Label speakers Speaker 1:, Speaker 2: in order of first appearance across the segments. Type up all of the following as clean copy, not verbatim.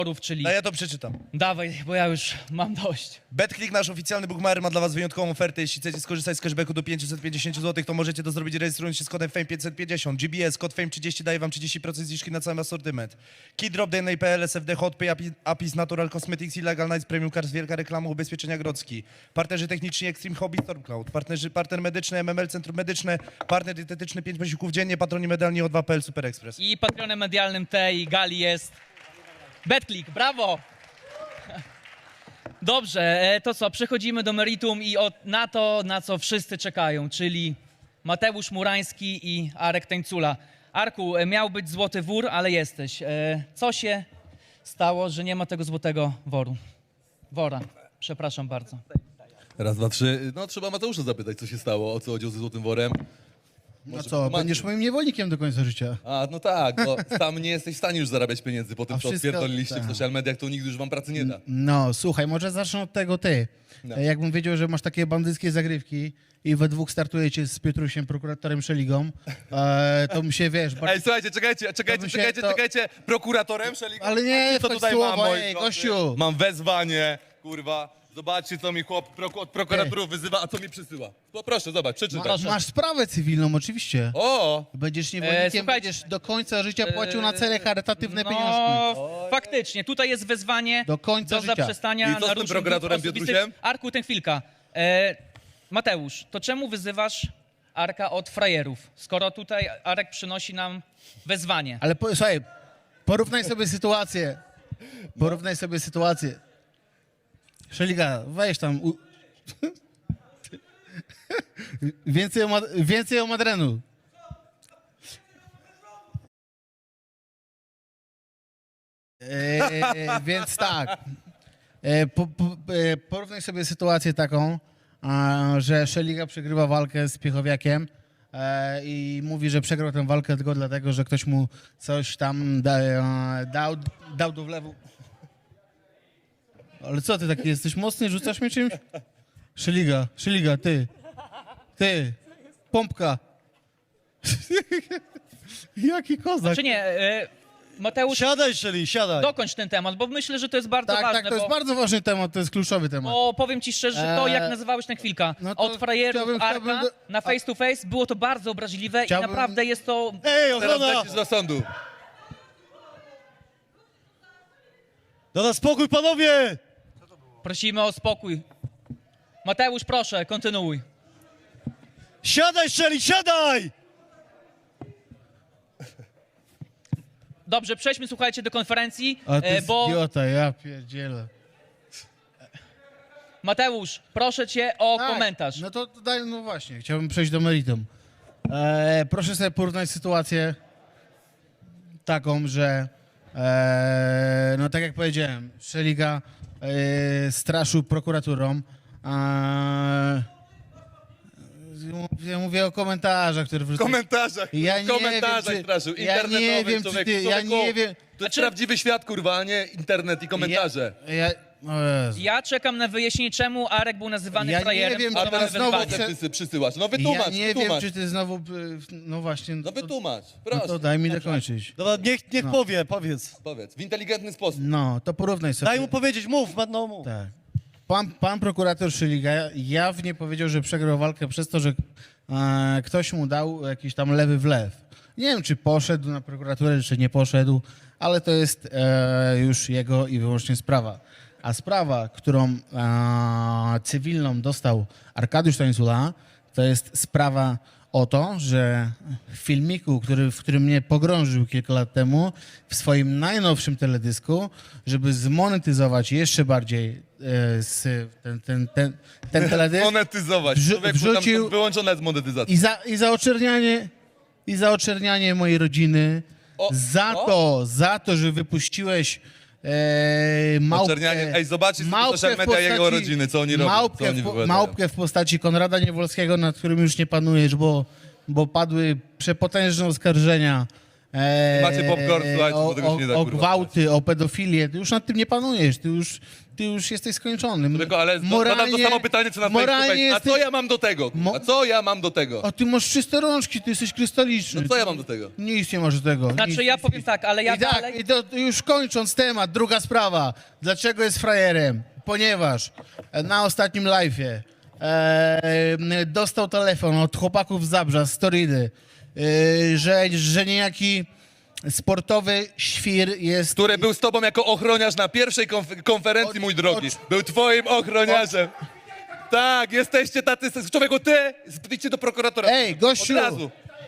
Speaker 1: czyli...
Speaker 2: A ja to przeczytam.
Speaker 1: Dawaj, bo ja już mam dość.
Speaker 2: BetClick, nasz oficjalny bookmaker, ma dla was wyjątkową ofertę. Jeśli chcecie skorzystać z cashbacku do 550 zł, to możecie to zrobić rejestrując się z kodem FAME550. GBS, kod FAME30 daje wam 30% zniżki na cały asortyment. Keydrop, DNA.pl, SFD, HotPay, Apis, Natural Cosmetics, Illegal Nights, Premium Cars, wielka reklama, ubezpieczenia Grodzki. Partnerzy techniczni Extreme Hobby, Stormcloud. Partner medyczny, MML, Centrum Medyczne. Partner dietetyczny, 5 posiłków dziennie. Patroni medalni O2.pl, Super Express.
Speaker 1: I patronem medialnym tej gali jest BetClick, brawo! Dobrze, to co, przechodzimy do meritum i na to, na co wszyscy czekają, czyli Mateusz Murański i Arek Tańcula. Arku, miał być złoty wór, ale jesteś. Co się stało, że nie ma tego złotego wora? Przepraszam bardzo.
Speaker 3: Raz, dwa, trzy. No trzeba Mateusza zapytać, co się stało, o co chodziło ze Złotym Worem.
Speaker 4: No co, będziesz moim niewolnikiem do końca życia.
Speaker 3: A, no tak, bo sam nie jesteś w stanie już zarabiać pieniędzy po tym,
Speaker 4: A
Speaker 3: co
Speaker 4: wszystko-
Speaker 3: odpierdoliliście w
Speaker 4: tak.
Speaker 3: social mediach, to nigdy już wam pracy nie da.
Speaker 4: No, słuchaj, może zacznę od tego ty.
Speaker 3: No.
Speaker 4: Jakbym wiedział, że masz takie bandyckie zagrywki i we dwóch startujecie z Piotrusiem, prokuratorem Szeligą, to mi się, wiesz...
Speaker 3: Ej, słuchajcie,
Speaker 4: bym się to-
Speaker 3: czekajcie, prokuratorem Szeligą?
Speaker 4: Ale nie,
Speaker 3: co
Speaker 4: wchodź
Speaker 3: tutaj
Speaker 4: słowo,
Speaker 3: mam, moi
Speaker 4: ej,
Speaker 3: drodzy?
Speaker 4: gościu.
Speaker 3: Mam wezwanie, kurwa. Zobaczcie, co mi chłop od prokuratorów wyzywa, a co mi przysyła. No proszę, zobacz, przeczytaj.
Speaker 4: Masz sprawę cywilną, oczywiście.
Speaker 3: O!
Speaker 4: Będziesz niewolnikiem,
Speaker 1: słuchajcie,
Speaker 4: będziesz do końca życia płacił na cele charytatywne pieniążki.
Speaker 1: No, faktycznie, tutaj jest wezwanie
Speaker 4: Do końca życia.
Speaker 1: zaprzestania
Speaker 3: I co z tym
Speaker 1: naruszeń
Speaker 3: prokuratorem
Speaker 1: dóbr osobistych.
Speaker 3: Piotrusiem?
Speaker 1: Arku, ten chwilka. Mateusz, to czemu wyzywasz Arka od frajerów, skoro tutaj Arek przynosi nam wezwanie?
Speaker 4: Ale słuchaj, porównaj sobie sytuację. Porównaj sobie sytuację. Szeliga, weź tam. Więcej o Madrenu. Więc tak. Porównaj sobie sytuację taką, że Szeliga przegrywa walkę z Piechowiakiem i mówi, że przegrał tę walkę tylko dlatego, że ktoś mu coś tam dał do wlewu. Ale co ty taki jesteś mocny? Rzucasz mnie czymś? Szeliga, ty, pompka. Jaki kozak.
Speaker 1: Czy nie, Mateusz,
Speaker 5: Siadaj, Szeli, siadaj.
Speaker 1: dokończ ten temat, bo myślę, że to jest bardzo
Speaker 4: Tak,
Speaker 1: ważne.
Speaker 4: tak, to jest
Speaker 1: bo,
Speaker 4: bardzo ważny temat, to jest kluczowy temat.
Speaker 1: bo powiem ci szczerze, że to jak nazywałeś ten chwilka,
Speaker 4: no to
Speaker 1: od frajerów
Speaker 4: chciałbym
Speaker 1: Arka na face to face, było to bardzo obraźliwe
Speaker 4: Chciałbym-
Speaker 1: i naprawdę jest to...
Speaker 5: Ej,
Speaker 3: Teraz
Speaker 5: ochrona!
Speaker 3: lecisz do sądu.
Speaker 5: Dada spokój, panowie!
Speaker 1: Prosimy o spokój. Mateusz, proszę, kontynuuj.
Speaker 5: Siadaj, Szeli, siadaj!
Speaker 1: Dobrze, przejdźmy, słuchajcie, do konferencji,
Speaker 4: A ty jest
Speaker 1: bo
Speaker 4: idiota, ja pierdzielę.
Speaker 1: Mateusz, proszę cię o
Speaker 4: Tak,
Speaker 1: komentarz.
Speaker 4: No to daj, no właśnie, chciałbym przejść do meritum. Proszę sobie porównać sytuację taką, że no tak jak powiedziałem, Szeliga straszył prokuraturą. Ja mówię o komentarzach, które
Speaker 3: W komentarzach,
Speaker 4: Ja
Speaker 3: w
Speaker 4: nie
Speaker 3: komentarzach
Speaker 4: wiem, czy-
Speaker 3: straszył.
Speaker 4: ja nie
Speaker 3: Internetowych,
Speaker 4: wiem, czy
Speaker 3: człowieku,
Speaker 4: ty- ja
Speaker 3: człowieku.
Speaker 4: nie wiem-
Speaker 3: To jest
Speaker 1: Znaczy-
Speaker 3: prawdziwy świat, kurwa, a nie internet i komentarze.
Speaker 4: O Jezu.
Speaker 1: Ja czekam na wyjaśnienie, czemu Arek był nazywany
Speaker 4: Ja nie
Speaker 1: frajerem.
Speaker 4: wiem,
Speaker 1: i
Speaker 3: A
Speaker 4: czy
Speaker 1: mamy
Speaker 3: teraz
Speaker 4: znowu
Speaker 3: znowu
Speaker 1: wezwanie.
Speaker 4: chcę-
Speaker 3: te przysyłasz. No wytłumacz,
Speaker 4: Ja nie
Speaker 3: wytłumacz.
Speaker 4: wiem, czy ty znowu, no właśnie,
Speaker 3: No wytłumacz,
Speaker 4: no
Speaker 3: proszę.
Speaker 4: to daj mi dokończyć.
Speaker 5: Dobra, niech
Speaker 4: No.
Speaker 5: powie, powiedz.
Speaker 3: Powiedz, w inteligentny sposób.
Speaker 4: No, to porównaj sobie.
Speaker 5: Daj mu powiedzieć, mów, no mów.
Speaker 4: Tak. Pan prokurator Szyliga jawnie powiedział, że przegrał walkę przez to, że ktoś mu dał jakiś tam lewy wlew. Nie wiem, czy poszedł na prokuraturę, czy nie poszedł, ale to jest już jego i wyłącznie sprawa. A sprawa, którą cywilną dostał Arkadiusz Tańcula, to jest sprawa o to, że w filmiku, w którym mnie pogrążył kilka lat temu, w swoim najnowszym teledysku, żeby zmonetyzować jeszcze bardziej ten teledysk
Speaker 3: Monetyzować. Człowieku, tam
Speaker 4: wrzucił-
Speaker 3: są wyłączone z monetyzacji.
Speaker 4: i za oczernianie mojej rodziny, za to, że wypuściłeś małpkę.
Speaker 3: Oczernianie. Ej, zobaczcie
Speaker 4: małpkę
Speaker 3: social
Speaker 4: w
Speaker 3: media jego
Speaker 4: postaci-
Speaker 3: rodziny, co oni robią, co oni wypowiadają.
Speaker 4: Małpkę w postaci Konrada Niewolskiego, nad którym już nie panujesz, bo padły przepotężne oskarżenia
Speaker 3: Macie popcorn, słuchajcie, bo tego się nie da,
Speaker 4: o
Speaker 3: kurwa,
Speaker 4: gwałty, o pedofilię, ty już nad tym nie panujesz, ty już jesteś skończony.
Speaker 3: Tylko, ale zadam to samo pytanie, co na
Speaker 4: moralnie
Speaker 3: A co ja mam do tego? A co ja mam do tego?
Speaker 4: A ty masz czyste rączki, ty jesteś krystaliczny.
Speaker 3: No co ja mam do tego?
Speaker 4: Nic nie masz do tego.
Speaker 1: Znaczy
Speaker 4: nic,
Speaker 1: ja
Speaker 4: nic,
Speaker 1: powiem
Speaker 4: nic.
Speaker 1: tak, ale ja
Speaker 4: I tak,
Speaker 1: dalej...
Speaker 4: i to już kończąc temat, druga sprawa. Dlaczego jest frajerem? Ponieważ na ostatnim live'ie dostał telefon od chłopaków z Zabrza, z Toridy, że niejaki sportowy świr jest...
Speaker 3: Który był z tobą jako ochroniarz na pierwszej konferencji, mój drogi. Był twoim ochroniarzem. Tak, jesteście tacy... Człowieku, ty, idźcie do prokuratora.
Speaker 4: Ej, gościu!
Speaker 3: Od razu.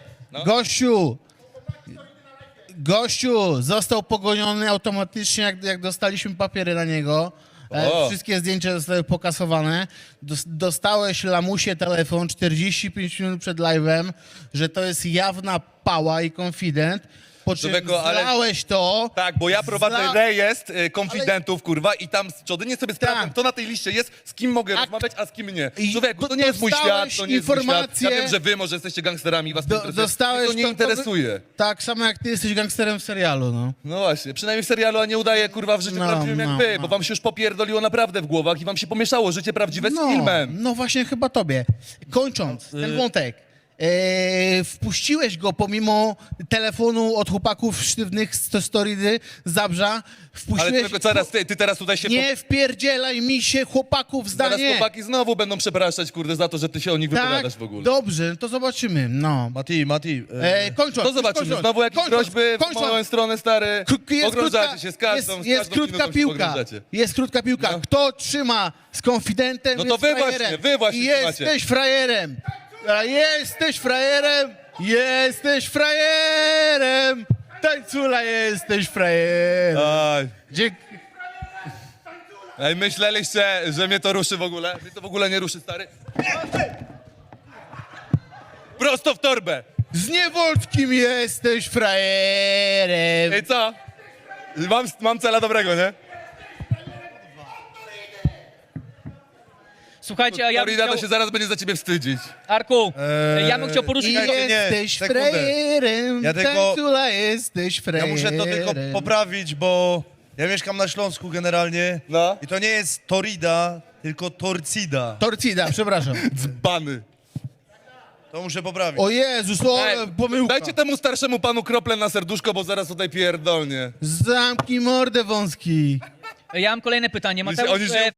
Speaker 4: Gościu został pogoniony automatycznie, jak dostaliśmy papiery na niego.
Speaker 3: O.
Speaker 4: Wszystkie zdjęcia zostały pokasowane. Dostałeś lamusie telefon 45 minut przed live'em, że to jest jawna pała i konfident. Po czym
Speaker 3: Człowieku, ale-
Speaker 4: zlałeś to.
Speaker 3: Tak, bo ja prowadzę rejestr konfidentów, kurwa, i tam nie sobie sprawdzam,
Speaker 4: Tak.
Speaker 3: kto na tej liście jest, z kim mogę rozmawiać, a z kim nie.
Speaker 4: I
Speaker 3: Człowieku, to nie jest mój świat,
Speaker 4: dostałeś
Speaker 3: to nie jest mój świat. Ja
Speaker 4: informację-
Speaker 3: wiem, że wy może jesteście gangsterami i was to interesuje.
Speaker 4: Dostałeś
Speaker 3: Mnie to nie
Speaker 4: to-
Speaker 3: interesuje.
Speaker 4: Tak samo jak ty jesteś gangsterem w serialu, no.
Speaker 3: No właśnie, przynajmniej w serialu, a nie udaje, kurwa, w życiu
Speaker 4: No,
Speaker 3: prawdziwym jak
Speaker 4: no,
Speaker 3: wy,
Speaker 4: no.
Speaker 3: bo wam się już popierdoliło naprawdę w głowach i wam się pomieszało życie prawdziwe z filmem.
Speaker 4: No właśnie chyba tobie. Kończąc ten wątek. Wpuściłeś go pomimo telefonu od chłopaków sztywnych z Toridy, z Zabrza.
Speaker 3: Ale
Speaker 4: Wpuściłeś...
Speaker 3: tylko teraz, ty teraz tutaj się...
Speaker 4: Nie wpierdzielaj mi się chłopaków
Speaker 3: Zaraz
Speaker 4: zdanie.
Speaker 3: chłopaki znowu będą przepraszać, kurde, za to, że ty się o nich
Speaker 4: Tak,
Speaker 3: wypowiadasz w ogóle.
Speaker 4: dobrze, to zobaczymy. No.
Speaker 2: Mati,
Speaker 4: Kończąc.
Speaker 3: To zobaczymy,
Speaker 4: kończąc,
Speaker 3: znowu jakieś
Speaker 4: kończąc,
Speaker 3: groźby w
Speaker 4: kończąc.
Speaker 3: moją stronę, stary. Pogrążacie się z każdą
Speaker 4: jest krótka
Speaker 3: minutą się
Speaker 4: piłka.
Speaker 3: pogrążacie.
Speaker 4: Jest krótka piłka.
Speaker 3: No.
Speaker 4: Kto trzyma z konfidentem,
Speaker 3: No to
Speaker 4: jest
Speaker 3: wy
Speaker 4: frajerem.
Speaker 3: właśnie, wy właśnie
Speaker 4: I
Speaker 3: trzymacie.
Speaker 4: jesteś frajerem. A jesteś frajerem. Jesteś frajerem. Tańcula, jesteś frajerem.
Speaker 3: Aj.
Speaker 4: Dzięki.
Speaker 3: Ej, myśleliście, że mnie to ruszy w ogóle? Mnie to w ogóle nie ruszy, stary. Prosto w torbę.
Speaker 4: Z Niewolskim jesteś frajerem.
Speaker 3: Ej, co? Mam cela dobrego, nie?
Speaker 1: Słuchajcie, a ja bym
Speaker 3: Florida
Speaker 1: chciał...
Speaker 3: to się zaraz będzie za ciebie wstydzić.
Speaker 1: Arku, ja bym chciał poruszyć...
Speaker 4: I
Speaker 2: Czekajcie, nie,
Speaker 4: jesteś
Speaker 2: sekundę.
Speaker 4: frajerem.
Speaker 2: Ja tylko-
Speaker 4: Tańcula, jesteś
Speaker 2: Ja
Speaker 4: frajerem.
Speaker 2: muszę to tylko poprawić, bo ja mieszkam na Śląsku generalnie.
Speaker 3: No.
Speaker 2: I to nie jest Torida, tylko Torcida.
Speaker 4: Torcida, przepraszam.
Speaker 3: Dzbany.
Speaker 2: To muszę poprawić.
Speaker 4: O Jezus, o,
Speaker 3: Ej,
Speaker 4: pomyłka.
Speaker 3: dajcie temu starszemu panu kroplę na serduszko, bo zaraz tutaj pierdolnie.
Speaker 4: Zamknij mordę wąski.
Speaker 1: Ja mam kolejne pytanie.
Speaker 3: Oni
Speaker 1: Mateusz,
Speaker 3: się